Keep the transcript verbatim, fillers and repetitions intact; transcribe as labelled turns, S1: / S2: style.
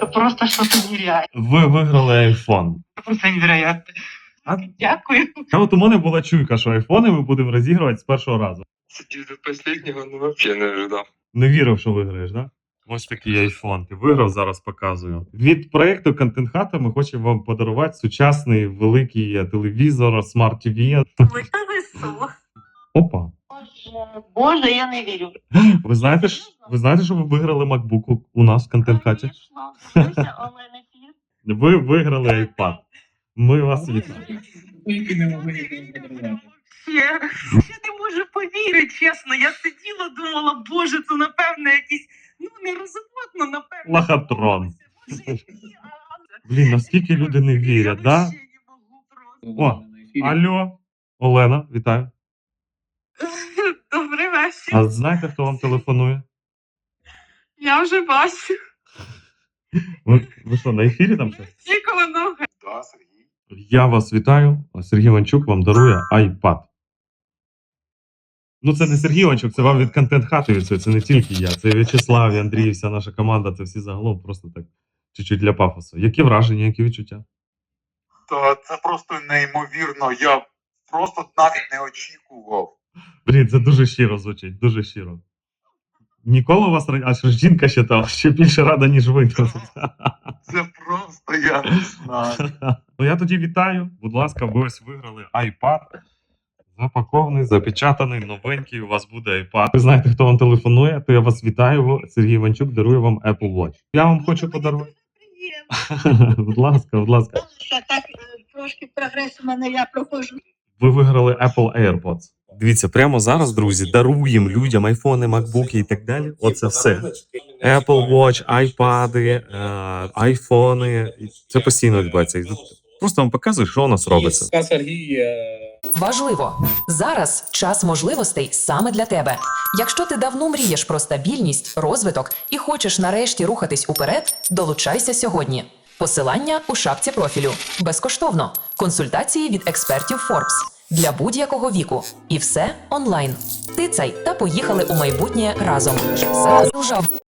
S1: Это просто что-то нереальное.
S2: Ви виграли айфон.
S1: Просто невероятно.
S2: А?
S1: Дякую.
S2: А от у мене була чуйка, що айфони ми будемо розігрувати з першого разу.
S3: Сидів до последнього, ну вообще не ожидав.
S2: Не вірив, що виграєш, да? Ось такий айфон. Ти виграв, зараз показую. Від проєкту Контент Хата ми хочемо вам подарувати сучасний великий телевізор, смарт-ТВ.
S1: Ви та весело.
S2: Опа.
S1: Боже, Боже, я не вірю.
S2: Ви знаєте, ж- ви знаєте, що ви виграли MacBook у нас в Контент Хаті?
S1: Конечно. Дивися, онлайн ефір.
S2: Ви виграли iPad. Ми вас вітаємо.
S4: Тільки не могли нікому подарувати.
S1: Я, я не можу повірити, чесно. Я сиділа, думала, боже, це напевно якийсь, ну, нерозумно, напевно.
S2: Лохотрон.
S1: Боже, який, а- а-
S2: Блін, наскільки люди не вірять,
S1: Я
S2: да?
S1: вообще не можу просто.
S2: О, Алло, Олена, вітаю.
S1: Добрий вечір.
S2: А знаєте, хто вам телефонує?
S1: Я вже бачу.
S2: Ви, ви що, на ефірі там щось?
S1: Очікувано.
S3: Да, Сергій.
S2: Я вас вітаю. Сергій Іванчук вам дарує iPad. Ну, це не Сергій Іванчук, це вам від Контент Хати від цього. Це не тільки я. Це В'ячеслав, і Андрій, і вся наша команда. Це всі загалом просто так чуть-чуть для пафосу. Які враження, які відчуття?
S5: Та це просто неймовірно. Я просто навіть не очікував.
S2: Блін, це дуже щиро звучить, дуже щиро. Ніколи у вас ра- аж жінка ще там ще більше рада, ніж ви.
S5: Це просто я не знаю.
S2: Ну я тоді вітаю. Будь ласка, ви ось виграли iPad. Запакований, запечатаний, новенький. У вас буде iPad. Ви знаєте, хто вам телефонує, то я вас вітаю. Сергій Іванчук дарує вам Apple Watch. Я вам хочу подарувати.
S1: Приємно.
S2: Будь ласка, будь ласка.
S1: Що так е, трошки прогрес у мене я проходжу.
S2: Ви виграли Apple AirPods. Дивіться, прямо зараз, друзі, даруємо людям айфони, макбуки і так далі. Оце все. Apple Watch, айпади, е, айфони. Це постійно відбувається. Просто вам показую, що у нас робиться.
S4: Ска Сергій, е,
S6: Важливо! Зараз час можливостей саме для тебе. Якщо ти давно мрієш про стабільність, розвиток і хочеш нарешті рухатись уперед, долучайся сьогодні. Посилання у шапці профілю. Безкоштовно. Консультації від експертів Forbes. Для будь-якого віку. І все онлайн. Тицяй та поїхали у майбутнє разом. Зараз